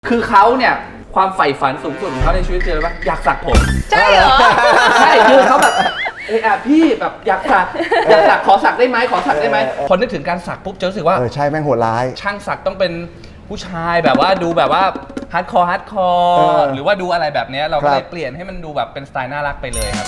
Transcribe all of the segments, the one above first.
คือเขาเนี่ยความใฝ่ฝันสูงสุดของเขาในชีวิตคืออะไรปะอยากสักผมใช่เหรอใช่คือเขาแบบพี่แบบอยากสักขอสักได้ไหมขอสักได้ไหมพอนึกถึงการสักปุ๊บจะรู้สึกว่าใช่แม่งโหดร้ายช่างสักต้องเป็นผู้ชายแบบว่าดูแบบว่าฮาร์ดคอร์หรือว่าดูอะไรแบบนี้เราก็เลยเปลี่ยนให้มันดูแบบเป็นสไตล์น่ารักไปเลยครับ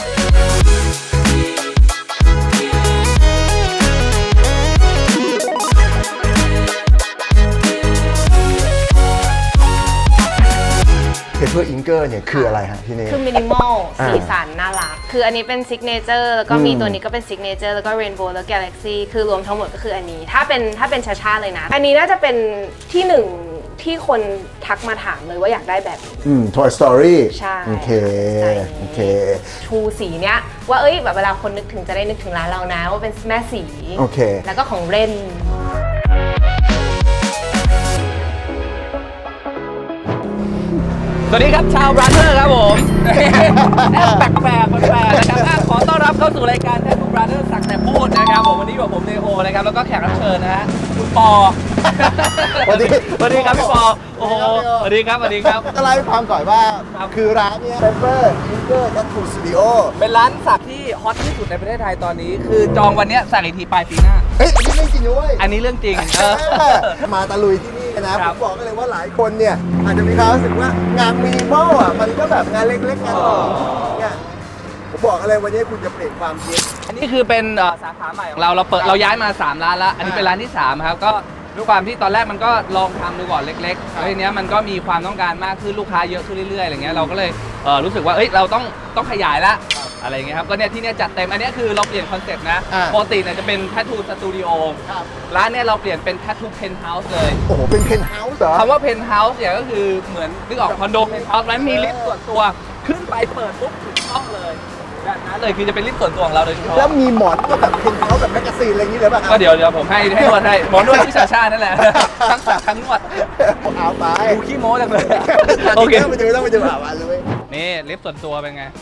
เพเปอร์อิงเกอร์เนี่ยคืออะไรฮะที่นี่คือมินิมอลสีสันน่ารักคืออันนี้เป็นซิกเนเจอร์แล้วก็มีตัวนี้ก็เป็นซิกเนเจอร์แล้วก็เรนโบว์แล้วกาแล็กซี่คือรวมทั้งหมดก็คืออันนี้ถ้าเป็นชาเลยนะ อันนี้น่าจะเป็นที่หนึ่งที่คนทักมาถามเลยว่าอยากได้แบบนี้ Toy Story ใช่โอเคชูสีเนี้ยว่าแบบเวลาคนนึกถึงจะได้นึกถึงร้านเรานะว่าเป็นแม่สีโอเคแล้วก็ของเรนสวัสดีครับชาวบราเธอร์ครับผมแปลกนะครับขอต้อนรับเข้าสู่รายการแททูบราเธอร์สักแต่พูดนะครับผมวันนี้อยู่กับผมเนโอนะครับแล้วก็แขกรับเชิญนะฮะคุณปอสวัสดีครับพี่ปอโอ้โหสวัสดีครับจะเล่าให้ฟังก่อนว่าคือร้านเนี้ย Pepper Inger Tattoo Studio เป็นร้านสักที่ฮอตที่สุดในประเทศไทยตอนนี้คือจองวันนี้สักอีกทีปลายปีหน้าอันนี้เรื่องจริงด้วยอันนี้เรื่องจริงมาตะลุยที่นี่นะผมบอกกันเลยว่าหลายคนเนี่ยอาจจะมีความรู้สึกว่างานมินิมอลอ่ะมันก็แบบงานเล็กๆงานเนี่ยผมบอกอะไรวันนี้คุณจะเปลี่ยนความคิดอันนี้คือเป็นสาขาใหม่ของเราย้ายมา3ร้านแล้วอันนี้เป็นร้านที่3ครับก็ด้วยความที่ตอนแรกมันก็ลองทำดูก่อนเล็กๆแล้วทีเนี้ยมันก็มีความต้องการมากขึ้นลูกค้าเยอะขึ้นเรื่อยๆอะไรเงี้ยเราก็เลยรู้สึกว่าเราต้องขยายละอะไรเงี้ยครับก็เนี่ยที่เนี้ยจัดเต็มอันนี้คือเราเปลี่ยนคอนเซ็ปต์นะปกติเนี่ยจะเป็นแททูสตูดิโอร้านเนี่ยเราเปลี่ยนเป็นแททูเพนท์เฮาส์เลยโอ้โหเป็นเพนท์เฮาส์เหรอคำว่าเพนท์เฮาส์เนี่ยก็คือเหมือนนึกออกคอนโดเพนท์เฮาส์แล้วมีลิฟต์ส่วนตัวขึ้นไปเปิดปุ๊บถึงห้องเลยแบบนั้นเลยคือจะเป็นลิฟต์ส่วนตัวของเราโดยเฉพาะแล้วมีหมอนก็แบบเพนท์เฮาส์แบบแมกกาซีนอะไรอย่างนี้เลยป่ะก็เดี๋ยวผมให้นวดให้หมอนวดที่ชานั่นแหละทั้งสักทั้งนวดเอาไปดูขี้โม้จังเลยโอเคต้องไปดูเลยนี่ลิฟต์ส่วนตัวเป็นไง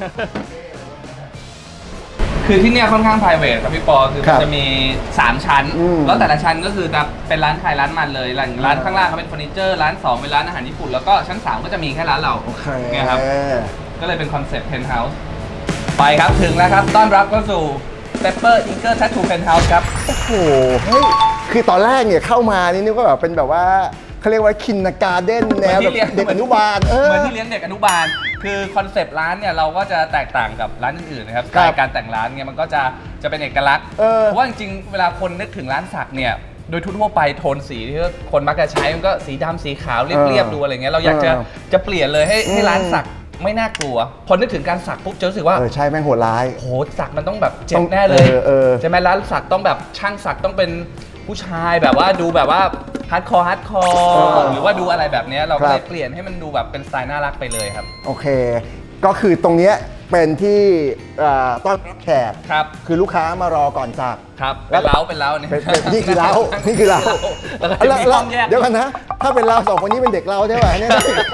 คือที่เนี่ยค่อนข้าง private ครับพี่ปอคือมันจะมี3ชั้นแล้วแต่ละชั้นก็คือจะเป็นร้านขายร้านมันเลยร้านข้างล่างเขาเป็นเฟอร์นิเจอร์ร้าน2เป็นร้านอาหารญี่ปุ่นแล้วก็ชั้น3ก็จะมีแค่ร้านเราเนี่ยครับก็เลยเป็นคอนเซ็ปต์เพนท์เฮาส์ไปครับถึงแล้วครับต้อนรับเข้าสู่ Pepper Inger Tattoo Penthouse ครับโอ้โหเฮ้ยคือตอนแรกเนี่ยเข้ามานี่นึกว่าแบบเป็นแบบว่าเขาเรียกว่าคินนาการ์เด้นแนวแบบเด็กอนุบาลเหมือนที่เลี้ยงเด็กอนุบาลคือคอนเซปต์ร้านเนี่ยเราก็จะแตกต่างกับร้านอื่นๆนะครับสไตล์การแต่งร้านเนี่ยมันก็จะเป็นเอกลักษณ์เพราะว่าจริงๆเวลาคนนึกถึงร้านสักเนี่ยโดยทั่วไปโทนสีที่คนมักจะใช้มันก็สีดำสีขาวเรียบๆดูอะไรเงี้ยเราอยากจะเปลี่ยนเลยให้ร้านสักไม่น่ากลัวพอนึกถึงการสักปุ๊บจะรู้สึกว่าใช่แม่งโหดร้ายโหสักมันต้องแบบเจ็บแน่เลยใช่ไหมร้านสักต้องแบบช่างสักต้องเป็นผู้ชายแบบว่าดูแบบว่าฮาร์ดคอร์หรือว่าดูอะไรแบบนี้เราก็เลยเปลี่ยนให้มันดูแบบเป็นสไตล์น่ารักไปเลยครับโอเคก็คือตรงเนี้ยเป็นที่ต้อนรับแขกคือลูกค้ามารอก่อนจากครับเป็นเล้าเนี่ยนี่คือเล้าแล้วเดี๋ยวกันนะถ้าเป็นเรา2คนนี้เป็นเด็กเราใช่ไหมเนี่ย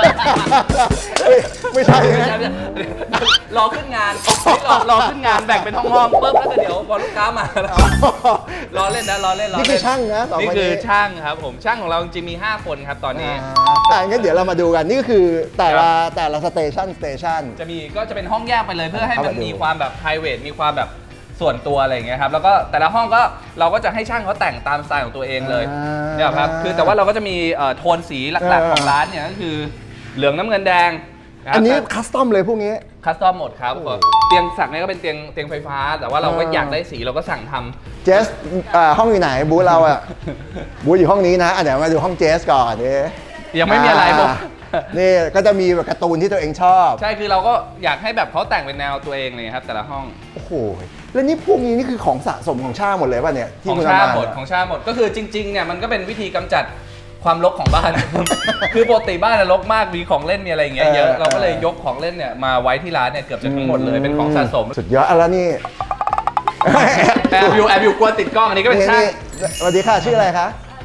ไม่ใช่รอขึ้นงานแบ่งเป็นห้องปุ๊บแล้วก็เดี๋ยวพอลูกค้ามารอเล่นนี่คือช่างนะนี่คือช่างครับผมช่างของเราจริงมี5คนครับตอนนี้งั้นเดี๋ยวเรามาดูกันนี่ก็คือแต่ละสเตชันก็จะเป็นห้องแยกไปเลยเพื่อให้มันมีความแบบ private มีความแบบส่วนตัวอะไรอย่างเงี้ยครับแล้วก็แต่ละห้องก็เราก็จะให้ช่างเขาแต่งตามสไตล์ของตัวเองเลยเนี่ยครับคือแต่ว่าเราก็จะมีโทนสีหลักๆของร้านเนี่ยก็คือเหลืองน้ำเงินแดงอันนี้คัสตอมเลยพวกนี้คัสตอมหมดครับเตียงสักเนี่ยก็เป็นเตียงไฟฟ้าแต่ว่าเราก็อยากได้สีเราก็สั่งทำเจสห้องอยู่ไหนบูธเราอ่ะบูธอยู่ห้องนี้นะเดี๋ยวมาดูห้องเจสก่อนดิยังไม่มีอะไรผมนี่ก็จะมีแบบการ์ตูนที่ตัวเองชอบใช่คือเราก็อยากให้แบบเขาแต่งเป็นแนวตัวเองเลยครับแต่ละห้องโอ้โหแล้วนี่พวกนี้นี่คือของสะสมของชาหมดเลยป่ะเนี่ยของชาหมดก็คือจริงๆเนี่ยมันก็เป็นวิธีกำจัดความรกของบ้านคือปกติบ้านรกมากมีของเล่นมีอะไรอย่างเงี้ยเยอะเราก็เลยยกของเล่นเนี่ยมาไว้ที่ร้านเนี่ยเกือบจะทั้งหมดเลยเป็นของสะสมสุดยอดแล้วนี่แอบอยู่กลัวติดกล้องอันนี้ก็เป็นช่างสวัสดีค่ะชื่ออะไรคะ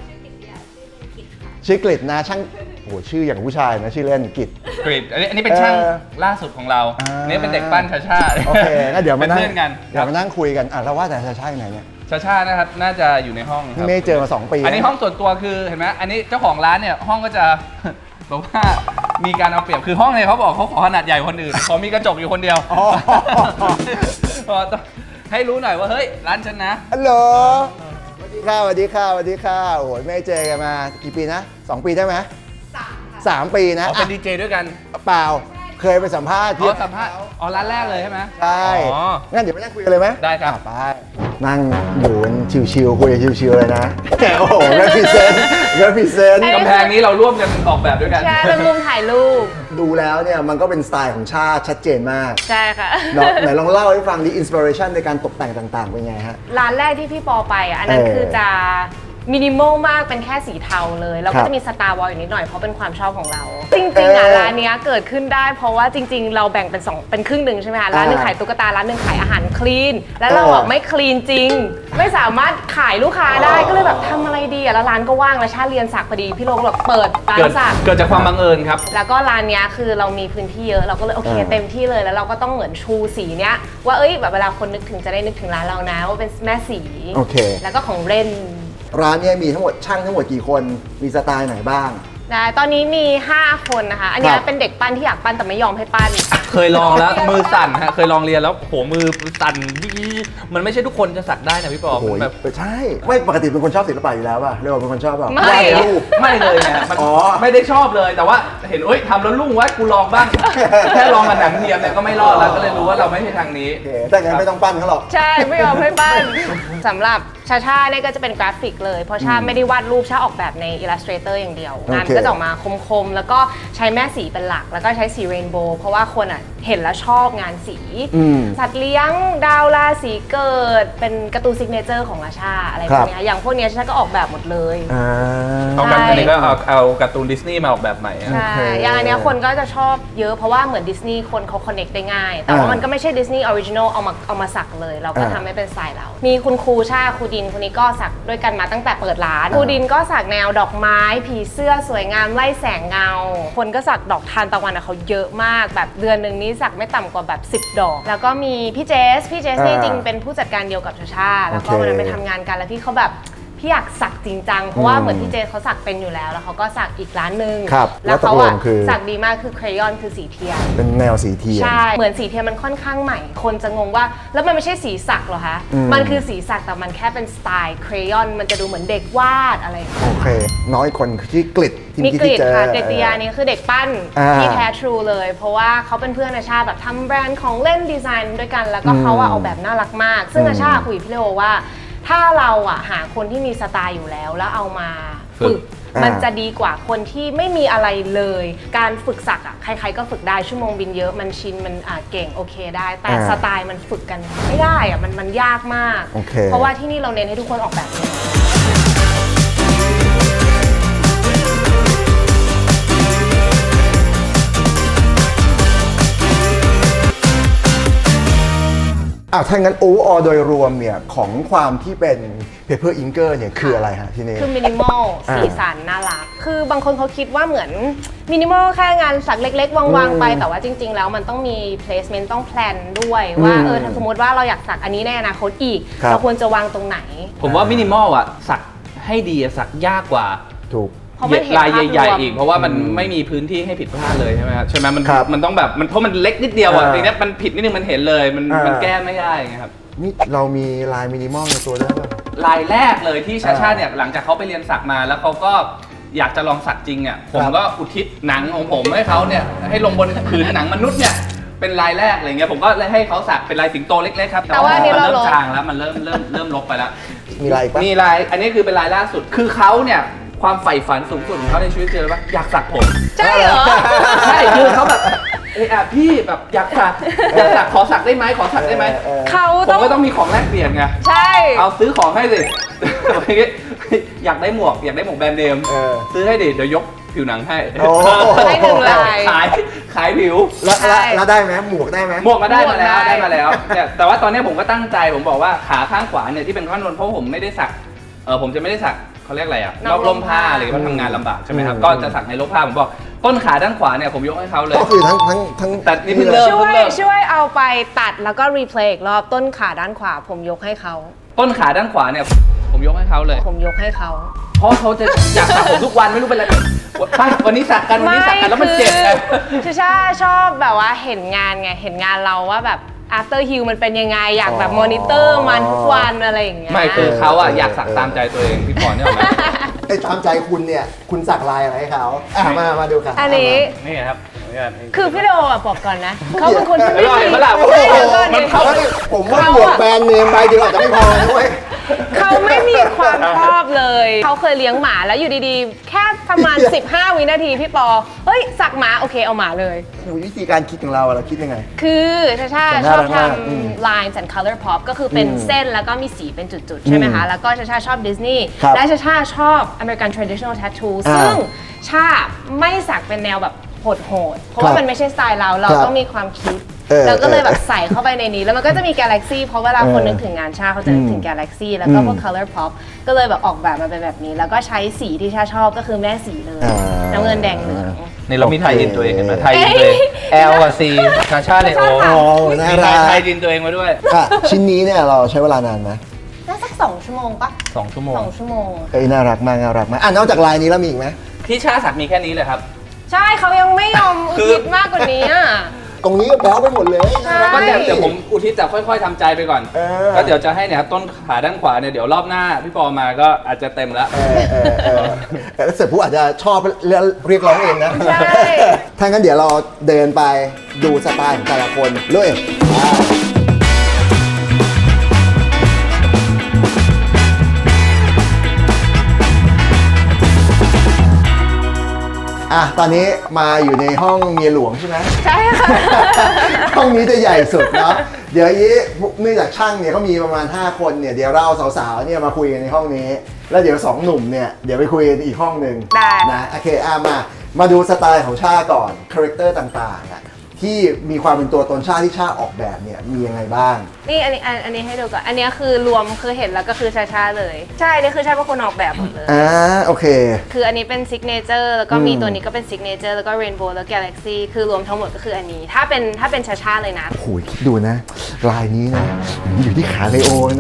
ชื่อกฤษนะช่างโอ้ชื่ออย่างผู้ชายนะชื่อเล่นกฤษอันนี้เป็นช่างล่าสุดของเรานี่เป็นเด็กปั้นชาโอเคงั้นเดี๋ยวมานั่งคุยกันแล้วว่าแต่ชาไหนเนี่ยชานะครับน่าจะอยู่ในห้องครับไม่เจอมา2 ปีอันนี้ห้องส่วนตัวคือเห็นไหมอันนี้เจ้าของร้านเนี่ยห้องก็จะเพราะว่ามีการเอาเปรียบคือห้องเนี่ยเขาบอกเขาขอขนาดใหญ่กว่าคนอื่นขอมีกระจกอยู่คนเดียวอ๋อต้องให้รู้หน่อยว่าเฮ้ยร้านฉันนะฮัลโหลสวัสดีค่ะสวัสดีค่ะสวัสดีค่ะโอ้โหไม่เจอกันมากี่ปีนะ2 ปีได้ไหม3 ปีนะอ๋อเป็นดีเจด้วยกันเปล่าเคยไปสัมภาษณ์อ๋อสัมภาษณ์อ๋อร้านแรกเลยใช่ไหมใช่อ๋องั้นเดี๋ยวไปนั่งคุยกันเลยไหมได้ครับไปนั่งอยู่กันชิวๆคุยชิวๆเลยนะโอ้โหrepresent กำแพงนี้เราร่วมกันออกแบบด้วยกันใช่ เป็นมุมถ่ายรูปดูแล้วเนี่ยมันก็เป็นสไตล์ของชาติชัดเจนมากใช่ค่ะเนาะไหนลองเล่าให้ฟังดิอินสปิเรชันในการตกแต่งต่างๆเป็นไงฮะร้านแรกที่พี่ปอไปอ่ะ อันนั้นคือจะมินิมอลมากเป็นแค่สีเทาเลย แล้วครัก็บจะมีสตาร์วอลอยู่นิดหน่อยเพราะเป็นความชอบของเรา จริงๆอ่ะร้านเนี้ยเกิดขึ้นได้เพราะว่าจริงๆ เราแบ่งเป็นเป็นครึ่งหนึ่งใช่ไหมคะร้านหนึ่งขายตุ๊กตาร้านหนึ่งขายอาหารคลีนแล้วเราอ่ะไม่คลีนจริง ไม่สามารถขายลูกค้าได้ก็เลยแบบทำอะไรดีอ่ะแล้วร้านก็ว่างแล้วชาติเรียนสักพอดีพี่โลก็แบบเปิดร้านสักเกิดจากความบังเอิญครับแล้วก็ร้านเนี้ยคือเรามีพื้นที่เยอะเราก็เลยโอเคอ่าเต็มที่เลยแล้วเราก็ต้องเหมือนชูสีเนี้ยว่าเอ้ยแบบเวลาคนนึกถึงจะได้นึกถึงร้านเรานะว่าเป็นแม่สีโอเคแล้วก็ของเล่นร้านเนี้มีทั้งหมดช่างทั้งหมดกี่คนมีสไตล์ไหนบ้างได้ตอนนี้มี 5 คนนะคะ อันเนี้คยรับเป็นเด็กปั้นที่อยากปั้นแต่ไม่ยอมให้ปั้นเคยลองแล้ว มือสั่นฮะเคยลองเรียนแล้วโหมือสั่นมันไม่ใช่ทุกคนจะสักได้นะพี่ปอโอ้โหแบบใช่ไม่ปกติเป็นคนชอบศิลปะอยู่แล้วป่ะเรียกว่าเป็นคนชอบป่ะไม่วาดรูปไม่เลยเนี่ยมันอ๋อไม่ได้ชอบเลยแต่ว่าเห็นเอ้ยทำแล้วรุ่งไว้กูลองบ้าง แค่ลองกับหนังเทียมเนี่ยก็ไม่รอดแล้วก็เลยรู้ว่าเราไม่ใช่ทางนี้โอเคถ้างั้นไม่ต้องปั้นเขาหรอกใช่ไม่ยอมให้ปั้น สำหรับชาชาเนี่ยก็จะเป็นกราฟิกเลยเพราะชาไม่ได้วาดรูปชาออกแบบใน Illustrator อย่างเดียวงานโอเคก็จะออกมาคมๆ แล้วก็ใช้แม่สีเป็นหลัก แล้วก็ใช้สีเรนโบว์เพราะว่าคนอ่ะเห็นแล้วชอบงานสีอืมสัตว์เลี้ยงดาวราศีเกิด เป็นการ์ตูนซิกเนเจอร์ของราชาอะไรพวกเนี้ยอย่างพวกเนี้ยชาก็ออกแบบหมดเลยอ่าเอากันอันนี้ก็เอาการ์ตูนดิสนีย์มาออกแบบใหม่อะใช่โอเคอย่างอันเนี้ยคนก็จะชอบเยอะเพราะว่าเหมือนดิสนีย์คนเขาคอนเน c t ได้ง่าย แต่ว่ามันก็ไม่ใช่ดิสนีย์ออริจินอลเอามาสักเลย เราก็ทำให้เป็นสไตล์เรา มีคุณครูชาครูดินคนนี้ก็สักด้วยกันมาตั้งแต่เปิดร้านครูดินก็สักแนวดอกไม้ ผีเสื้อสวยงามไล่แสงเงา คนก็สักดอกทานตะวันอะเขาเยอะมากแบบเดือนหนึ่งนี้สักไม่ต่ำกว่าแบบ10 ดอก แล้วก็มีพี่เจสนี่จริงเป็นผู้จัดการเดียวกับชาชาแล้วก็วันนั้นไปทำงานกันแล้วพี่เขาแบบพี่อยากสักจริงจังเพราะว่าเหมือนพี่เจเขาสักเป็นอยู่แล้วแล้วเขาก็สักอีกร้านหนึ่งครับแล้วเขาแล้วตกลอะงคือสักดีมากคือเครยอนคือสีเทียนเป็นแนวสีเทียนใช่ เหมือนสีเทียนมันค่อนข้างใหม่ คนจะงงว่าแล้วมันไม่ใช่สีสักเหรอคะอืมมันคือสีสักแต่มันแค่เป็นสไตล์เครยอนมันจะดูเหมือนเด็กวาดอะไรอย่างเงี้ยโอเค น้อยคนที่กลิดที่มีกรีดเจอค่ะกรีดติยานี่คือเด็กปั้นอ่าที่แท้ทรูเลย เพราะว่าเขาเป็นเพื่อนอาชาแบบทำแบรนด์ของเล่นดีไซน์ด้วยกัน แล้วก็เขาอะออกแบบน่ารักมาก ซึ่งอาชาคุยกับพี่เลโอว่า ถ้าเราอะหาคนที่มีสไตล์อยู่แล้วแล้วเอามาฝึก มันจะดีกว่าคนที่ไม่มีอะไรเลย การฝึกสักอะใครๆก็ฝึกได้ชั่วโมงบินเยอะมันชินมันเก่งโอเคได้ แต่สไตล์มันฝึกกันไม่ได้อะมันยากมากโอเคเพราะว่าที่นี่เราเน้นให้ทุกคนออกแบบเองถ้างั้นโอเวอร์โดยรวมเนี่ยของความที่เป็น Paper Inker เนี่ยคืออะไรฮะที่นี่คือมินิมอลสีสันน่ารัก คือบางคนเขาคิดว่าเหมือนมินิมอลแค่งานสักเล็กๆ วางๆไป แต่ว่าจริง ๆ แล้วมันต้องมี placement ต้องแพลนด้วยว่าถ้าสมมติว่าเราอยากสักอันนี้ในอนาคตอีก เราควรจะวางตรงไหนผมว่ามินิมอลอ่ะสักให้ดีอะสักยากกว่าถูกเพราะมันเห็นลายใหญ่ภาพรวมๆอีกเพราะว่ามันไม่มีพื้นที่ให้ผิดพลาดเลยใช่ไหมครับใช่ไหมมันครับมันต้องแบบมันเพราะมันเล็กนิดเดียวอ่ะอ่าทีเนี้ยมันผิดนิดนึงมันเห็นเลยมันแก้ไม่ได้ไงครับนี่เรามีลายมินิมอลในตัวด้วยป่ะลายแรกเลยที่ชาชาเนี่ยหลังจากเขาไปเรียนสักมาแล้วเขาก็อยากจะลองสักจริงอ่ะผมก็อุทิศหนังของผมให้เขาเนี่ยให้ลงบนผืนหนังมนุษย์เนี่ยเป็นลายแรกอะไรเงี้ยผมก็เลยให้เขาสักเป็นลายสิงโตเล็กๆครับแต่ว่าอันนี้มันเราเริ่ลมบจางแล้วมันเริ่มลบไปแล้วมีลายอีกป่ะมีลายอันนี้คือเป็นลายล่าสุดคือเขาเนี่ยความใฝ่ฝันสูงสุดของเขาในชีวิตคืออะไรปะอยากสักผมใช่เหรอใช่คือเขาแบบพี่แบบอยากสักขอสักได้ไหมขอสักได้ไหมเขาผต้อมงก็ต้องมีของแลกเปลี่ยนไงใช่เอาซื้อของให้สิ อยากได้หมวกแบรนด์เนม ซื้อให้ดิเดี๋ยวยกผิวหนังให้โอ้ให้หนึ่งลายขายผิวแล้วได้ไหมหมวกได้ไหมหมวกมาได้มาแล้วหมวกได้ได้มาแล้วแต่ว่าตอนนี้ผมก็ตั้งใจผมบอกว่าขาข้างขวาเนี่ยที่เป็นข้อนบนเพราะผมไม่ได้สักผมจะไม่ได้สักเขาเรียกอะไรอะนอกร่มผ้าอะไรเพราะทำงานลำบากใช่ไหมครับก็จะสักในร่มผ้าผมบอกต้นขาด้านขวาเนี่ยผมยกให้เขาเลยก็คือทั้งแต่นี่เพิ่งเริ่มช่วยเอาไปตัดแล้วก็รีเพลย์อีกรอบต้นขาด้านขวาผมยกให้เขาต้นขาด้านขวาเนี่ยผมยกให้เขาเลยผมยกให้เขาเพราะเขาจะอยากสระผมทุกวันไม่รู้เป็นอะไรไปวันนี้สักกันแล้วมันเจ็บไงคือชาชอบแบบว่าเห็นงานไงเห็นงานเราว่าแบบ after heal มันเป็นยังไงอยากแบบมอนิเตอร์มันทุกวันอะไรอย่างเงี้ยไม่คือเขาอะอยากสักตามใจตัวเองพี่ปอนเนี่ยหรอไหมไอ้ตามใจคุณเนี่ยคุณสักลายอะไรให้เขามาดูกันอันนี้นี่ครับคือพี่โดอะบอกก่อนนะเขาเป็นคนที่ไม่อร่อยมีปะล่ะใช่แล้วก็มันเข้าผมว่าบวกแบรนด์เนมใบเดียวอาจจะไม่พอนะเว้ยเขาไม่มีความชอบเลยเขาเคยเลี้ยงหมาแล้วอยู่ดีๆ แค่ประมาณ 15 วินาทีพี่ปอเฮ้ยสักหมาโอเคเอาหมาเลยวิธีการคิดของเราเราคิดยังไงคือชาแต่ชน่าอบรักทมากำ lines and color pop ก็คือเป็นเส้นแล้วก็มีสีเป็นจุดๆ ใช่ไหมคะ แล้วก็ชาชอบดิสนีย์ครับและชาชอบ American traditional tattoo อ่าซึ่งชาไม่สักเป็นแนวแบบโหดๆ เพราะว่ามันไม่ใช่สไตล์เราครับต้องมีความคิดเออแล้วก็เลยแบบใส่เข้าไปในนี้ แล้วมันก็จะมี Galaxy เพราะเวลาคนนึกถึงงานชาเขาจะนึกถึง Galaxy แล้วก็พวก color pop ก็เลยแบบออกแบบมาเป็นแบบนี้ แล้วก็ใช้สีที่ชาชอบก็คือแม่สีเลยอ่าน้ำเงินแดงเหลืองนี่เรามีไทยอินตัวเองเห็นไหมไทยอินตัวเอง L กับ C ชาชาเลโออ๋อน่ามีรักไทยอินตัวเองมาด้วยอ่ะชิ้นนี้เนี่ยเราใช้เวลานานไหมน่าสัก2 ชั่วโมงปะ 2 ชั่วโมง 2 ชั่วโมงน่ารักมากน่ารักมากนอกจากลายนี้แล้วมีอีกไหมที่ชาสักมีแค่นี้เลยครับใช่เขายังไม่ยอมอุทิศมากกว่านี้อ่ะตรงนี้ก็แบ๊วไปหมดเลยใช่ก็เดี๋ยวผมอุทิศจะค่อยๆทำใจไปก่อน ก็เดี๋ยวจะให้เนี่ยครับต้นขาด้านขวาเนี่ยเดี๋ยวรอบหน้าพี่ปอมาก็อาจจะเต็มแล้วแล้วเสร็จผู้อาจจะชอบเรียกร้องเองนะใช่ถ้างั้นเดี๋ยวเราเดินไปดูสไตล์ของแต่ละคนเลยตอนนี้มาอยู่ในห้องเมียหลวงใช่ไหมใช่ค่ะห้องนี้จะใหญ่สุดเนาะเดี๋ยวนี้เนื่องจากช่างเนี่ยเขามีประมาณ5คนเนี่ยเดี๋ยวเราสาวๆเนี่ยมาคุยกันในห้องนี้ แล้วเดี๋ยว2หนุ่มเนี่ยเดี๋ยวไปคุยกันอีกห้องหนึ่งได้นะโอเคมาดูสไตล์ของชาก่อนคาแรคเตอร์ต่างๆที่มีความเป็นตัวตนชาที่ชาออกแบบเนี่ยมียังไงบ้างนี่อันนี้ให้ดูก่อน อันนี้คือรวมคือเห็นแล้วก็คือชาเลย ใช่นี่คือชาเป็นคนออกแบบหมดเลยโอเคคืออันนี้เป็นซิกเนเจอร์แล้วก็มีตัวนี้ก็เป็นซิกเนเจอร์แล้วก็เรนโบว์แล้วกาแล็กซี่คือรวมทั้งหมดก็คืออันนี้ ถ้าเป็นชาเลยนะโอ้โหคิดดูนะ ลายนี้นะอยู่ที่ขาเลโอนะ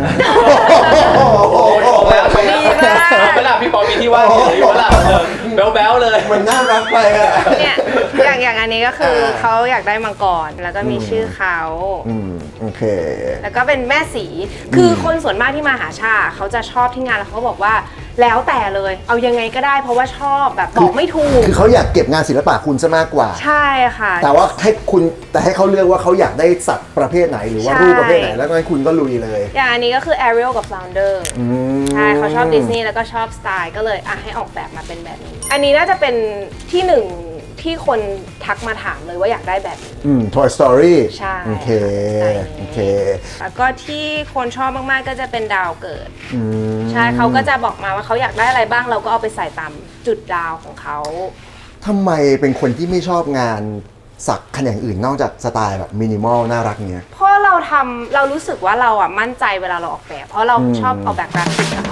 ดีมากเวลาพี่ปอมีที่ว่างอยู่เวลาแบ๊วๆเลยมันน่ารักไปอะเนี่ยอย่างอันนี้ก็คือเขาอยากได้มังกรแล้วก็มีชื่อเขาโอเคแล้วก็เป็นแม่สี คือคนส่วนมากที่มาหาชาเขาจะชอบที่งานแล้วเขาบอกว่าแล้วแต่เลย เอายังไงก็ได้เพราะว่าชอบแบบบอกไม่ถูกคือเขาอยากเก็บงานศิลปะคุณซะมากกว่าใช่ค่ะแต่ว่าให้เขาเลือกว่าเขาอยากได้สัตว์ประเภทไหนหรือว่าใช่รูปประเภทไหนแล้วก็ให้คุณก็ลุยเลยอย่างอันนี้ก็คือ Ariel กับ Flounder ใช่เขาชอบดิสนีย์แล้วก็ชอบสไตล์ก็เลยให้ออกแบบมาเป็นแบบนี้ อันนี้น่าจะเป็นที่หนึ่งที่คนทักมาถามเลยว่าอยากได้แบบนี้ Toy Story ใช่โอเคใช่โอเคแล้วก็ที่คนชอบมากๆก็จะเป็นดาวเกิด ใช่เขาก็จะบอกมาว่าเขาอยากได้อะไรบ้างเราก็เอาไปใส่ตามจุดดาวของเขาทำไมเป็นคนที่ไม่ชอบงานสักขนาดอื่นนอกจากสไตล์แบบมินิมอลน่ารักเนี้ยเพราะเรารู้สึกว่าเรามั่นใจเวลาเราออกแบบ เพราะเราชอบออกแบบกราฟิกอะค่ะ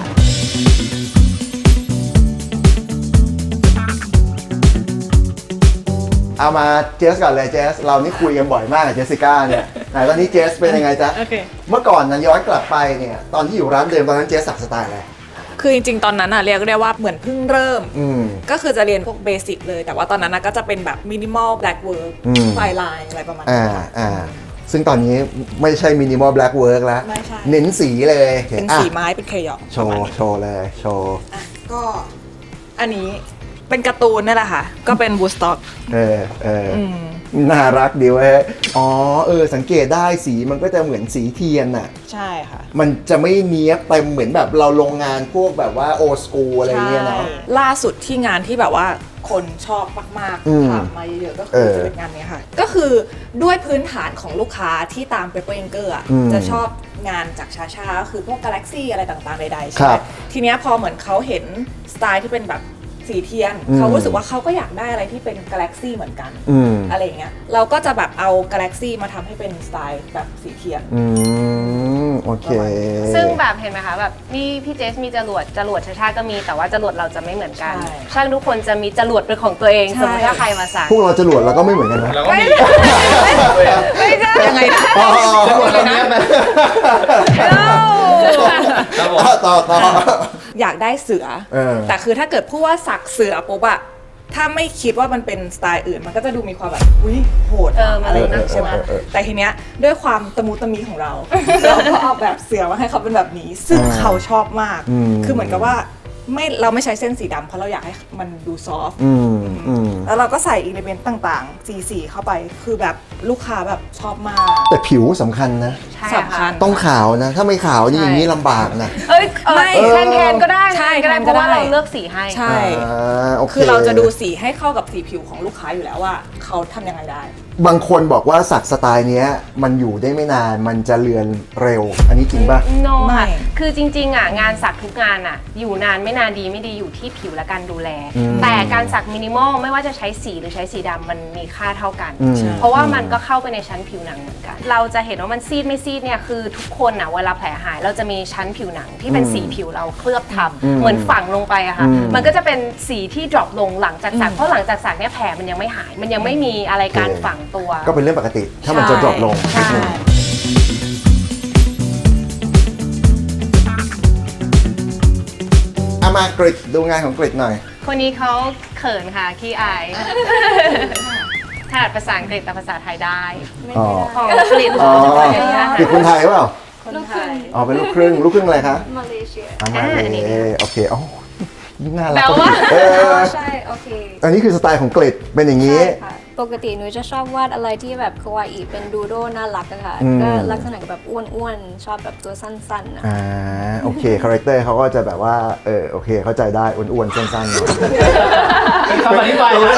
เอามาเจสก่อนเลยเจสเรานี่คุยกันบ่อยมากกับเจสสิก้าเนี่ยไหนตอนนี้เจสเป็นยังไงจ๊ะโอเคเมื่อก่อนนะย้อนกลับไปเนี่ยตอนที่อยู่ร้านเดิมตอนนั้นเจสสักสไตล์อะไรคือจริงๆ ตอนนั้นอะเรียกได้ว่าเหมือนเพิ่งเริ่มมก็คือจะเรียนพวกเบสิกเลย แต่ว่าตอนนั้นก็จะเป็นแบบมินิมอลแบล็กเวิร์กอืมไฟไลน์อะไรประมาณอ่านี้ค่ะอ่าซึ่งตอนนี้ไม่ใช่มินิมอลแบล็กเวิร์กแล้วไม่ใช่เน้นสีเลยเป็นอ่ะสีไม้เป็นเคยองโชว์โชว์เลยโชว์อ่ะก็อันนี้เป็นการ์ตูนนี่แหละค่ะ ก็เป็นบูสต็อกน่ารักดีเว้ยอ๋อสังเกตได้สีมันก็จะเหมือนสีเทียนน่ะใช่ค่ะมันจะไม่เนี้ยบเต็มเหมือนแบบเราลงงานพวกแบบว่าโอสกูอะไรเงี้ยเนาะใช่ล่าสุดที่งานที่แบบว่าคนชอบมากอืมๆถามมาเยอะๆก็คือจะเป็นงานนี้ค่ะ ก็คือด้วยพื้นฐานของลูกค้าที่ตาม Pepper Inker อ่ะอืมจะชอบงานจากชาชาก็คือพวก Galaxy อะไรต่างๆใดๆใช่คไหรัมบทีเนี้ยพอเหมือนเขาเห็นสไตล์ที่เป็นแบบสีเทียนอืมเขารู้สึกว่าเขาก็อยากได้อะไรที่เป็น Galaxy เหมือนกันอืมอะไรอย่างเงี้ยเราก็จะแบบเอา Galaxy มาทำให้เป็นสไตล์แบบสีเทียนโอเคซึ่งแบบเห็นไหมคะแบบนี่พี่เจสมีจรวดชาก็มีแต่ว่าจรวดเราจะไม่เหมือนกันใช่ช่างทุกคนจะมีจรวดเป็นของตัวเองใช่สมมติถ้าใครมาสั่งพวกเราจรวดเราก็ไม่เหมือนกันนะแล้วก็มีไม่ใช่ยังไงนะจรวดเลยนะ ครับผมต่ออยากได้เสือ แต่คือถ้าเกิดพูดว่าสักเสือปุ๊บอะถ้าไม่คิดว่ามันเป็นสไตล์อื่นมันก็จะดูมีความแบบอุ้ยโหดมันอะไรเลยอย่างน่าเงี้ยกลัใช่วไหมแต่ทีเนี้ยด้วยความตะมุตะมีของเรา เราก็ออกแบบเสือมาให้เขาเป็นแบบนี้ ซึ่งเขาชอบมาก คือเหมือนกับว่าเราไม่ใช้เส้นสีดำเพราะเราอยากให้มันดูซอฟต์แล้วเราก็ใส่อิเลเมนต์ต่างๆสีเข้าไปคือแบบลูกค้าแบบชอบมากแต่ผิวสำคัญนะใช่สำคัญต้องขาวนะ ถ้าไม่ขาวนี่อย่างนี้ลำบากนะไม่ แทนก็ได้ใช่ก็ได้แทนเพก็ราะว่าได้เราเลือกสีให้ใช่โอเคคือเราจะดูสีให้เข้ากับสีผิวของลูกค้าอยู่แล้วว่าเขาทำยังไงได้บางคนบอกว่าสักสไตล์เนี้ยมันอยู่ได้ไม่นานมันจะเลือนเร็ว อันนี้จริงป่ะโนไม่ค่ะคือจริงๆอ่ะงานสักทุกงานอ่ะอยู่นานไม่นานดีไม่ดีอยู่ที่ผิวและการดูแล แต่การสักมินิมอลไม่ว่าจะใช้สีหรือใช้สีดำมันมีค่าเท่ากัน เพราะว่ามันก็เข้าไปในชั้นผิวหนังเหมือนกัน เราจะเห็นว่ามันซีดไม่ซีดเนี่ยคือทุกคนอ่ะเวลาแผลหายเราจะมีชั้นผิวหนังที่เป็นสีผิวเราเคลือบทับเหมือนฝังลงไปอะค่ะมันก็จะเป็นสีที่ดรอปลงหลังจากสักเพราะหลังจากสักเนี่ยแผลมันยังไม่หาย มันยังไม่มีอะไรการฝังตัวก็เป็นเรื่องปกติถ้ามันจะดรอปลงใช่เอามากริดดูงานของกริดหน่อยคนนี้เขาเขินค่ะขี้อายถนัดภาษาอังกฤษแต่ภาษาไทยได้อ๋อของกรีฑอ๋อค่ะกริดคนไทยเปล่าคนไทยอ๋อเป็นลูกครึ่งอะไรคะมาเลเซียมาเลอันนี้โอเคอ๋อยิ่งน่ารักแปลว่าเออใช่โอเคอันนี้คือสไตล์ของกริดเป็นอย่างนี้ใช่ค่ะปกติหนูจะชอบวาดอะไรที่แบบคาวาอิเป็นดูโดน่ารักอะค่ะอืมก็ลักษณะแบบอ้วนๆ ชอบแบบตัวสั้นๆนะโอเคคาแรคเตอร์เขาก็จะแบบว่าโอเคเข้าใจได้อ้วนๆสั้นๆเนาะเป็นคำอธิบายนะ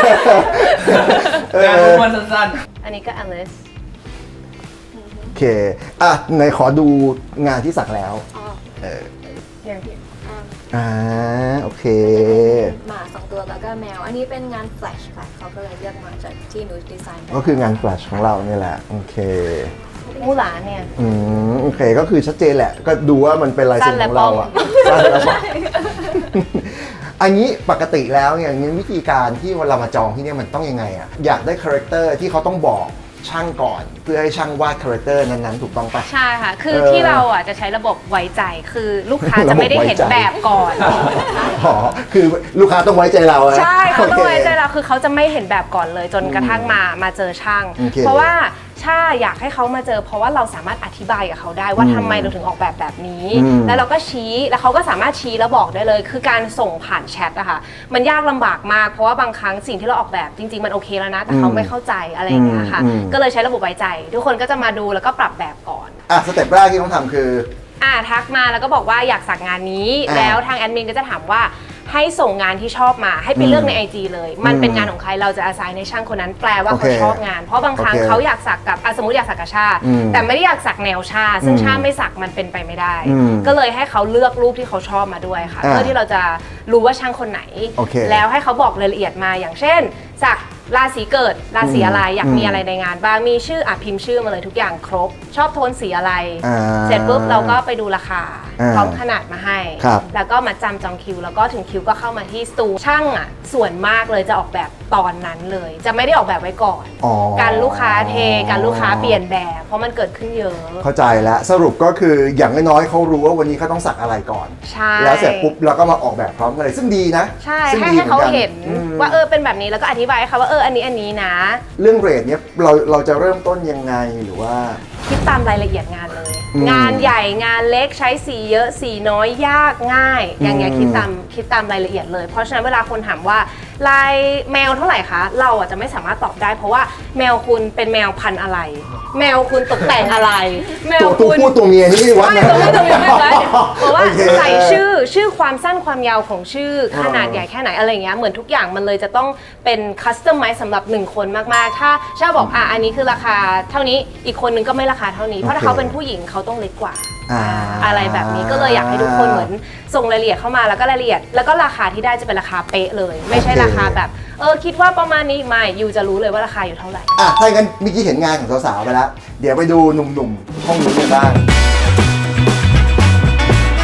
งานทุกวันสั้นอันนี้ก็อลิสโอเคอ่ะไหนขอดูงานที่สักแล้วอ๋อเอออย่างที่โอเคหมา2 ตัวแล้วก็แมว อันนี้เป็นงานแฟลชค่ะเขาก็เลยเลือกมาจากที่หนูดีไซน์ก็คืองานแฟลชของเราเนี่ยแหละโอเคมูหลานเนี่ยโอเคก็คือชัดเจนแหละ ก็ดูว่ามันเป็นลายเซ็นของเราอะสั้นและป้อมอันนี้ปกติแล้วเนี่ยงั้นวิธีการที่เวลามาจองที่เนี่ยมันต้องยังไงอะอยากได้คาแรคเตอร์ที่เขาต้องบอกช่างก่อน เพื่อให้ช่างวาดคาแรคเตอร์นั้นๆถูกต้องปะใช่ค่ะ คือที่เราอ่ะจะใช้ระบบไว้ใจ คือลูกค้าจะไม่ได้เห็นแบบก่อนอ๋อคือลูกค้าต้องไว้ใจเราอะใช่เขาต้องไว้ใจโคเราคือเขาจะไม่เห็นแบบก่อนเลยจนกระทั่งมาเจอช่างโอเคเพราะว่าช่าอยากให้เขามาเจอ เพราะว่าเราสามารถอธิบายกับเขาได้ว่าทำไมเราถึงออกแบบแบบนี้ แล้วเราก็ชี้แล้วเขาก็สามารถชี้แล้วบอกได้เลย คือการส่งผ่านแชทอะค่ะมันยากลำบากมากเพราะว่าบางครั้งสิ่งที่เราออกแบบจริงๆมันโอเคแล้วนะ แต่เขาไม่เข้าใจอะไรอย่างเงี้ยค่ะ ก็เลยใช้ระบบไว้ใจ ทุกคนก็จะมาดูแล้วก็ปรับแบบก่อนสเต็ปแรกที่ต้องทำคือทักมาแล้วก็บอกว่าอยากสักงานนี้อ่าแล้วทางแอดมินก็จะถามว่าให้ส่งงานที่ชอบมาให้ไปเลือกใน IG เลย มันเป็นงานของใครเราจะอาศัยในช่างคนนั้นแปลว่าโอเคเขาชอบงาน เพราะบางครั้งโอเคเขาอยากสักกับสมมติอยากสักกับชา แต่ไม่ได้อยากสักแนวชา ซึ่งชาไม่สักมันเป็นไปไม่ได้ ก็เลยให้เขาเลือกรูปที่เขาชอบมาด้วยค่ะ เพื่อที่เราจะรู้ว่าช่างคนไหนโอเคแล้วให้เขาบอกรายละเอียดมาอย่างเช่นสักราศีเกิดราศีอะไรอยากมีอะไรในงานบ้างมีชื่อพิมพ์ชื่อมาเลยทุกอย่างครบ ชอบโทนสีอะไร เสร็จปุ๊บเราก็ไปดูราคาพร้อมขนาดมาให้ครับแล้วก็มาจำจองคิว แล้วก็ถึงคิวก็เข้ามาที่สตูช่างอ่ะส่วนมากเลยจะออกแบบตอนนั้นเลย จะไม่ได้ออกแบบไว้ก่อนอ๋อการลูกค้าเทการลูกค้าเปลี่ยนแบบ เพราะมันเกิดขึ้นเยอะเข้าใจแล้วสรุปก็คืออย่างน้อยๆเขารู้ว่าวันนี้เขาต้องสักอะไรก่อนใช่แล้วเสร็จปุ๊บเราก็มาออกแบบพร้อมกันเลยซึ่งดีนะใช่ซึ่งให้ดีให้เขามือนกันเห็นว่าเป็นแบบนี้แล้วก็อธิบายให้เขาว่าอันนี้นะเรื่องเรทเนี้ยเราจะเริ่มต้นยังไงหรือว่าคิดตามรายละเอียดงานเลยอืมงานใหญ่งานเล็กใช้สีเยอะสีน้อยยากง่าย อย่างเงี้ยคิดตามรายละเอียดเลย เพราะฉะนั้นเวลาคนถามว่าลายแมวเท่าไหร่คะเราอ่ะจะไม่สามารถตอบได้ เพราะว่าแมวคุณเป็นแมวพันธุ์อะไร แมวคุณตกแต่งอะไร แมวตัวคุณผู้ตัวเมียนี่ไม่วัดไม่นะตัวไม่วัดเพราะว่าโอเคใส่ชื่อความสั้นความยาวของชื่อขนาดใหญ่แค่ไหนอะไรเงี้ยเหมือนทุกอย่างมันเลยจะต้องเป็นคัสตอมไมซ์สำหรับ1คนมากๆถ้าชาบอกอันนี้คือราคาเท่านี้อีกคนนึงก็ไม่ราคาเท่านี้เพราะถ้าเขาเป็นผู้หญิงเขาต้องเล็กกว่า อะไรแบบนี้ก็เลยอยากให้ทุกคนเหมือนส่งรายละเอียดเข้ามาแล้วก็รายละเอียดแล้วก็ราคาที่ได้จะเป็นราคาเป๊ะเลย ไม่ใช่ราคาแบบคิดว่าประมาณนี้ไม่ยูจะรู้เลยว่าราคาอยู่เท่าไหร่ถ้าอย่างนั้นเมื่อกี้เห็นงานของสาวๆไปแล้ว เดี๋ยวไปดูหนุ่มๆห้องนู้นกันบ้าง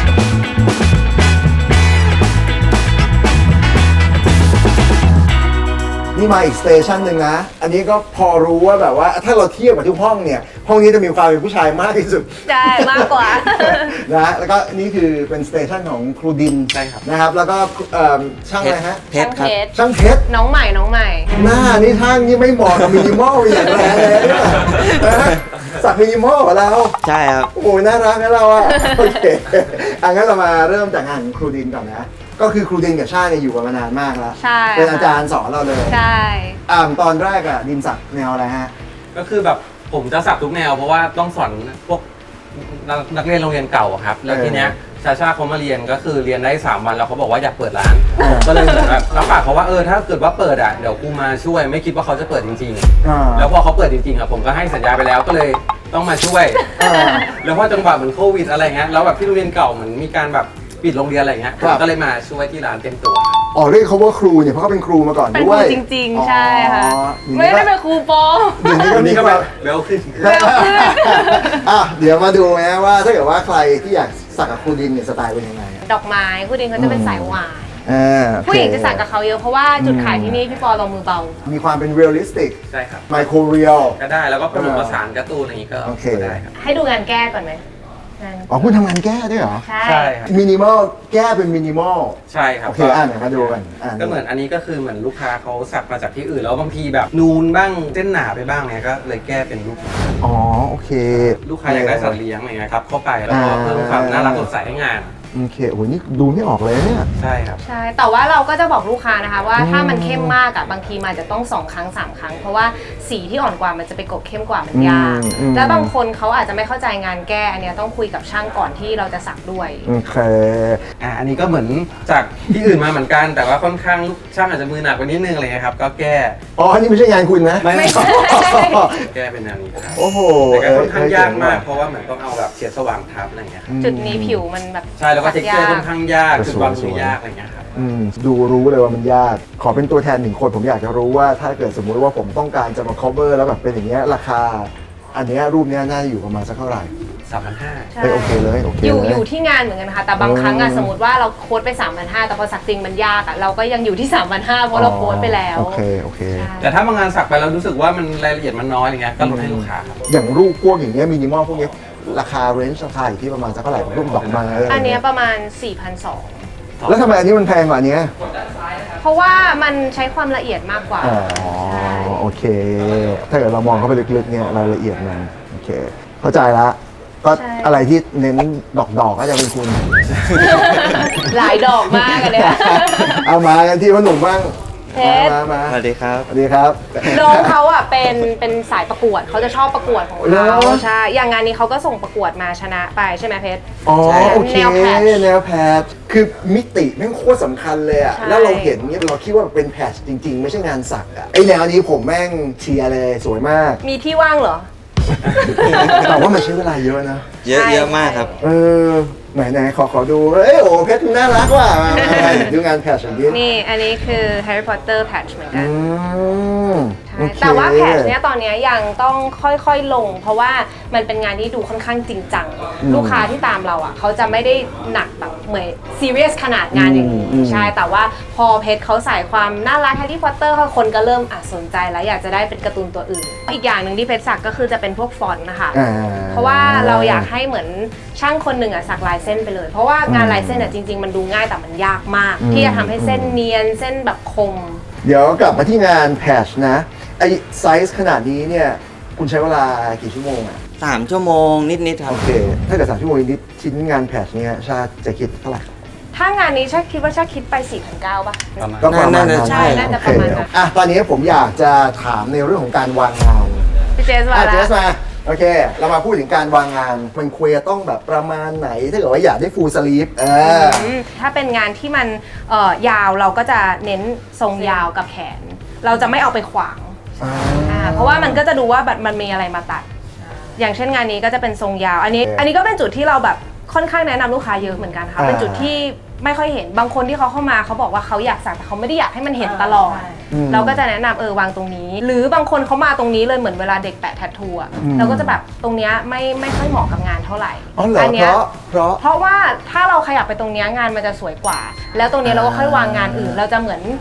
นนี่มาอีกสเตชันหนึ่งนะ อันนี้ก็พอรู้ว่าแบบว่าถ้าเราเทียบกับทุกห้องเนี่ย ห้องนี้จะมีความเป็นผู้ชายมากที่สุดใช่มากกว่านะแล้วก็นี่คือเป็นสเตชันของครูดินใช่ครับนะครับ แล้วก็ช่างอะไรฮะเพชรครับช่างเพชรน้องใหม่น้องใหม่หน้านี่ช่างนี่ไม่เหมาะกับมินิมอลอย่างแรงเลยเนี่ยนะสักมินิมอลของเราใช่ครับโอ้ยน่ารักนะเราอะโอเคงั้นเรามาเริ่มจากงานของครูดินก่อนนะ ก็คือครูดินกับชาเนี่ยอยู่กันมานานมากแล้วใช่เป็นอาจารย์สอนเราเลยใช่ตอนแรกอะดินสักแนวอะไรฮะก็คือแบบผมจะสักทุกแนวเพราะว่าต้องสอนพวกนักเรียนโรงเรียนเก่าอะครับ แล้วทีเนี้ยชาชาเขามาเรียนก็คือเรียนได้ 3 วันแล้วเขาบอกว่าอยากเปิดร้าน ก็เลยเหมือนแบบรับปากเขาว่าถ้าเกิดว่าเปิดอ่ะเดี๋ยวกูมาช่วยไม่คิดว่าเขาจะเปิดจริงอ่าๆ แล้วพอเขาเปิดจริงๆอะผมก็ให้สัญญาไปแล้วก็เลยต้องมาช่วยอ่าแล้วพอจังหวะเหมือนโควิดอะไรเงี้ยแล้วแบบที่โรงเรียนเก่าเหมือนมีการแบบปิดโรงเรียนอะไรเงี้ยครับก็เลยมาช่วยที่ร้านเต็มตัวอ๋อเรียกเขาว่าครูเนี่ยเพราะเขาเป็นครูมาก่อนเป็นคด้รูวยจริง ๆ ใช่ค่ะอ๋อไม่ได้เป็นครูปอเดี๋ยวนี้ก็มีก็ความเร็วขึ้นเดี๋ยวมาดูนะว่าถ้าเกิดว่าใครที่อยากสักกับครูดินเนี่ยสไตล์เป็นยังไงอะดอกไม้ผู้ดินเขาจะเป็นสายหวานโอเคผู้หญิงจะสักกับเขาเยอะเพราะว่าจุดขายที่นี่พี่ปอเรามือเบามีความเป็นเรียลลิสติกใช่ครับไมโครเรียลก็ได้แล้วก็ผสมผสานการ์ตูนอะไรอย่างงี้ก็โอเคได้ครับให้ดูงานแก้ก่อนไหมงานอ๋อคุณทำงานแก้ด้วยเหรอใช่ใช่ครับมินิมอลแก้เป็นมินิมอลใช่ครับโอเคไหนมาดูกันอ่านก็เหมือนอันนี้ก็คือเหมือนลูกค้าเขาสักมาจากที่อื่นแล้วบางทีแบบนูนบ้างเส้นหนาไปบ้างเนี่ยก็เลยแก้เป็นรูปอ๋อโอเคลูกค้าอยากได้สัตว์เลี้ยงอะไรเงี้ยครับเข้าไปแล้วก็เพิ่มความน่ารักสดใสให้งานโอเคโอ้โหนี่ดูไม่ออกเลยเนี่ยใช่ครับใช่แต่ว่าเราก็จะบอกลูกค้านะคะว่าถ้ามันเข้มมากอะบางทีมันอาจจะต้อง2 ครั้ง 3 ครั้ง เพราะว่าสีที่อ่อนกว่ามันจะไปกบเข้มกว่ามันยาก แล้วบางคนเขาอาจจะไม่เข้าใจงานแก้อันเนี้ยต้องคุยกับช่างก่อนที่เราจะสักด้วยโอเคอันนี้ก็เหมือนจากที่อื่นมาเหมือนกัน แต่ว่าค่อนข้างลูกช่างอาจจะมือหนักกว่านิดนึงอะไรเงี้ยครับก็แก้อ๋ออันนี้ไม่ใช่งานคุณนะไม่ใช่แก้เป็นแนวนี้ครับโอ้โหแต่ก็ค่อนข้างยากมากเพราะว่าเหมือนต้องเอาแบบเฉียดสว่างทับอะไรเงี้ยครับจุดนี้ผิวมันแบบใช่แล้วก็เทคเจอร์ค่อนข้างยากแต่จุดสวยวางสมืวยอยากอะไรเงี้ยครับดูรู้เลยว่ามันยาก ขอเป็นตัวแทน1 คนผมอยากจะรู้ว่าถ้าเกิดสมมุติว่าผมต้องการจะมา cover แล้วแบบเป็นอย่างเงี้ยราคา อันเนี้ยรูปเนี้ยน่าจะอยู่ประมาณสักเท่าไหร่ 3,500 ใช่โอเคเลยโอเคอยู่เลยอยู่ที่งานเหมือนกันค่ะแต่บางครั้งอะสมมติว่าเราโค้ดไป 3,500 แต่พอสักจริงมันยากอะเราก็ยังอยู่ที่ 3,500 เพราะเราโค้ดไปแล้วโอเคโอเคใช่แต่ถ้าบางงานสักไปแล้วรู้สึกว่ามันรายละเอียดมันน้อยอะไรเงี้ยก็ลดให้ลูกค้าครับอย่างรูปพวกอย่างเงี้ยมินิมอลพวกเนี้ยราคาเรนจ์ราคาอยู่ที่ประมาณสักเท่าไหร่รูปดอกไม้อะไรอันเนี้เงี้ยยประมาณ 4,200 แล้วทำไมอันนี้มันแพงกว่าอันเนี้ยเพราะว่ามันใช้ความละเอียดมากกว่าอ๋อใช่โอเค ถ้าเกิดเรามองเข้าไปลึกๆเนี่ยรายละเอียดมันโอเค เข้าใจละก็อะไรที่เน้นดอกๆก็จะเป็นคุณหลายดอกมากอันเนี้ยเอามากันที่พ่อหนุ่มบ้างเพชรมาสวัสดีครับสวัสดีครับน้องเขาอ่ะเป็นสายประกวดเขาจะชอบประกวดของเหรเขาอใช่อย่างงานนี้เขาก็ส่งประกวดมาชนะไปใช่ไหมเพชรอ๋อใช่โอเคแนวแพทช์แนวแพทช์คือมิติแม่งโคตรสำคัญเลยอะใช่แล้วเราเห็นเนี่ยเราคิดว่าเป็นแพทช์จริง ๆ ไม่ใช่งานสักอะไอแนวนี้ผมแม่งเชียร์เลยสวยมากมีที่ว่างเหรอแต่ว่ามันใช้เวลาเยอะนะเยอะใช่เยอะมากครับเออไหนขอดูเอ้ยโอ้เพชรน่ารักว่ะมาดูงานแพทช์อย่างนี้นี่อันนี้คือ Harry Potter patch เหมือนกัน ใช่โอเคแต่ว่าแพทช์เนี้ยตอนเนี้ยยังต้องค่อยๆลง เพราะว่ามันเป็นงานที่ดูค่อนข้างจริงจัง ลูกค้าที่ตามเราอ่ะเขาจะไม่ได้หนักแบบเหมือนซีเรียสขนาดงานอย่างนี้ใช่แต่ว่าพอเพชรเขาใส่ความน่ารักแฮร์รี่พอตเตอร์คนก็เริ่มสนใจแล้วอยากจะได้เป็นการ์ตูนตัวอื่น อีกอย่างหนึ่งที่เพชรสักก็คือจะเป็นพวกฟอนต์นะคะ เพราะว่าเราอยากให้เหมือนช่างคนหนึ่งสักลายเส้นไปเลย เพราะว่างานลายเส้นจริง ๆ มันดูง่ายแต่มันยากมาก ที่จะทำให้เส้นเนียนเส้นแบบคมเดี๋ยวกลับมาที่งานแพทช์นะไอไซส์ขนาดนี้เนี่ยคุณใช้เวลากี่ชั่วโมงอะ 3 ชั่วโมงนิดๆครัโอบ เค ถ้าเกิด3 ชั่วโมงนิดชิ้นงานแพทช์เนี่ยชาจะคิดเท่าไหร่ถ้างานนี้ชาคิดว่าชาคิดไป 4,900 ป่ะประมาณก็ประมาณน่าจะนั้นใช่น่าจะประมาณนั้นโอเคตอนนี้ผมอยากจะถามในเรื่องของการวางงานพี่เจสว่าเจแล้วสมาโอเค เรามาพูดถึงการวางงาน มันควรจะต้องแบบประมาณไหน ถ้าเกิดว่าอยากได้ฟูลสลีฟถ้าเป็นงานที่มันยาวเราก็จะเน้นทรงยาวกับแขน เราจะไม่เอาไปขวางเพราะว่ามันก็จะดูว่าแบบมันมีอะไรมาตัด อย่างเช่นงานนี้ก็จะเป็นทรงยาว อันนี้ก็เป็นจุดที่เราแบบค่อนข้างแนะนำลูกค้าเยอะเหมือนกันค่ะเป็นจุดที่ไม่ค่อยเห็นบางคนที่เขาเข้ามาเขาบอกว่าเขาอยากสักแต่เขาไม่ได้อยากให้มันเห็นตลอด เราก็จะแนะนำวางตรงนี้ หรือบางคนเขามาตรงนี้เลยเหมือนเวลาเด็กแปะแทททูอะเราก็จะแบบตรงเนี้ยไม่ค่อยเหมาะกับงานเท่าไหร่อ๋อเหรอเนี้ยเพราะว่าถ้าเราขยับไปตรงเนี้ยงานมันจะสวยกว่า แล้วตรงเนี้ยเราก็ค่อยวางงานอื่น เราจะเหมือน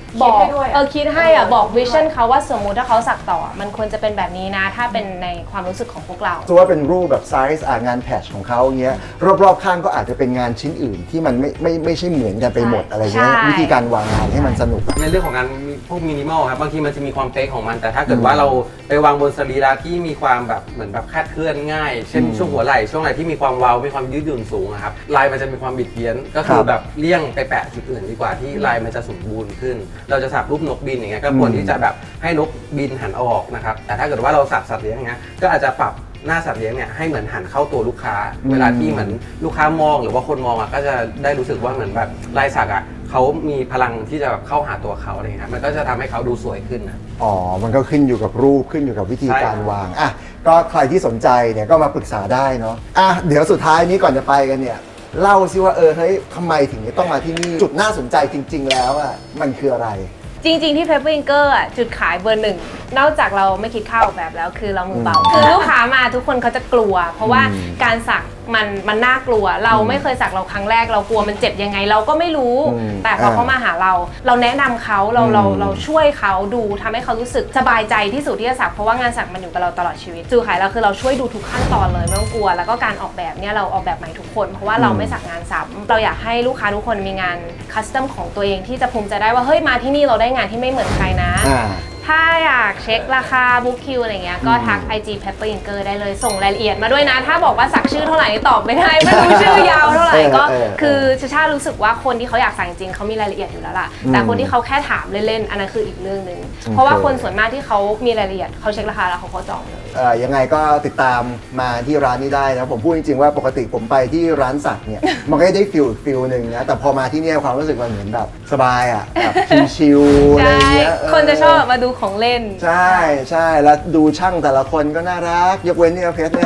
บอกคิดให้ด้วยอะคิดให้อ่ะบอกวิชั่นเขาว่าสมมุติถ้าเขาสักต่อมันควรจะเป็นแบบนี้นะ ถ้าเป็นในความรู้สึกของพวกเราสมมติว่าเป็นรูปแบบไซส์งานแพทชของเขาเงี้ยรอบๆข้างก็อาจจะเป็นงานชิ้นอื่นที่มันไม่ใช่เหมือนกันไปหมดอะไรเงี้ยใช่วิธีการวางงานให้มันสนุกอะในเรื่องของงานพวกมินิมอลครับบางทีมันจะมีความเป๊ะของมัน แต่ถ้าเกิดว่าเราไปวางบนสรีระที่มีความแบบเหมือนแบบคลาดเคลื่อนง่าย เช่นช่วงหัวไหล่ช่วงไหล่ที่มีความเว้ามีความยืดหยุ่นสูงอะครับลายมันจะมีความบิดเบี้ยนก็คือแบบเลี่ยงไปแปะจุดอื่นดีกว่าที่ลายมันจะสมบูรณ์ขึ้น เราจะสักรูปนกบินอย่างเงี้ยก็ควรที่จะแบบให้นกบินหันออกนะครับแต่ถ้าเกิดว่าเราสักสัตว์เลี้ยงอย่างเงี้ยก็อาจจะปรับหน้าสัตว์เลี้ยงเนี่ยให้เหมือนหันเข้าตัวลูกค้า เวลาที่เหมือนลูกค้ามองหรือว่าคนมองอ่ะก็จะได้รู้สึกว่าเหมือนแบบลายสักอ่ะเขามีพลังที่จะแบบเข้าหาตัวเขาอะไรเงี้ยมันก็จะทำให้เขาดูสวยขึ้นนะอ๋อ มันก็ขึ้นอยู่กับรูปขึ้นอยู่กับวิธีการใช่วาง อ่ะ ก็ใครที่สนใจเนี่ยก็มาปรึกษาได้เนาะ อ่ะ เดี๋ยวสุดท้ายนี้ก่อนจะไปกันเนี่ย เล่าซิว่าเฮ้ยทำไมถึงต้องมาที่นี่ จุดน่าสนใจจริง ๆ แล้วอ่ะ มันคืออะไรจริง ๆ ที่ Pepper Inker อ่ะจุดขายเบอร์หนึ่งนอกจากเราไม่คิดค่าออกแบบแล้วคือเรามือเบา คือลูกค้ามาทุกคนเขาจะกลัว เพราะว่าการสักมันน่ากลัว เราไม่เคยสักเราครั้งแรกเรากลัวมันเจ็บยังไงเราก็ไม่รู้ แต่พอเขามาหาเราแนะนำเขาเราช่วยเขาดูทำให้เขารู้สึกสบายใจที่สุดที่จะสักเพราะว่างานสักมันอยู่กับเราตลอดชีวิตจุดขายเราคือเราช่วยดูทุกขั้นตอนเลยไม่ต้องกลัว แล้วก็การออกแบบเนี่ยเราออกแบบใหม่ทุกคนเพราะว่าเราไม่สักงานซ้ำเราอยากให้ลูกค้าทุกคนมีงานคัสตอมของตัวเองที่จะภูมิใจได้ว่าเฮ้ยมาที่นี่เราได้งานที่ไม่เหมือนใครนะ ถ้าอยากเช็คราคาบุ๊คคิวอะไรเงี้ยก็ทัก IG Pepper Inker ได้เลยส่งรายละเอียดมาด้วยนะ ถ้าบอกว่าสักชื่อเท่าไหร่นี่ตอบไม่ได้ ไม่รู้ชื่อยาวเท่าไหร่ก็คือชารู้สึกว่าคนที่เขาอยากสั่งจริงเขามีรายละเอียดอยู่แล้วล่ะแต่คนที่เขาแค่ถามเล่นๆอันนั้นคืออีกเรื่องหนึ่งเพราะว่าคนส่วนมากที่เขามีรายละเอียดเขาเช็คราคาแล้วเขาก็จองเลยยังไงก็ติดตามมาที่ร้านนี้ได้นะผมพูดจริงๆว่าปกติผมไปที่ร้านสักเนี่ย มันก็ได้ฟิลหนึ่งนะแต่พอมาที่เนี่ยความรู้สึกมันเหมือนแบบสบายอ่ะแบบชิลๆอะไรใช่เงี้ยคนจะชอบมาดูของเล่นใช่แล้วดูช่างแต่ละคนก็น่ารักยกเว้นเนี่ยเพชรเนี่ย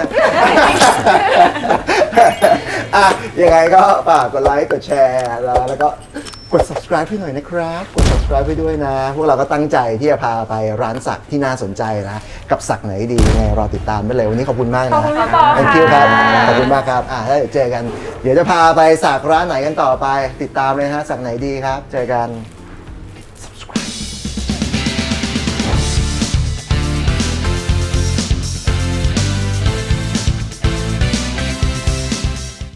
อ่ะยังไงก็ฝากกดไลค์กดแชร์แล้วก็กด subscribe ให้หน่อยนะครับกด subscribe ให้ด้วยนะ พวกเราก็ตั้งใจที่จะพาไปร้านสักที่น่าสนใจนะกับสักไหนดียังไงรอติดตามได้เลยวันนี้ขอบคุณมากนะขอบคุณพี่ปอ Thank you ครับค่ะขอบคุณมากครับแล้วเดี๋ยวเจอกัน เดี๋ยวจะพาไปสักร้านไหนกันต่อไป ติดตามเลยฮะสักไหนดีครับ เจอกัน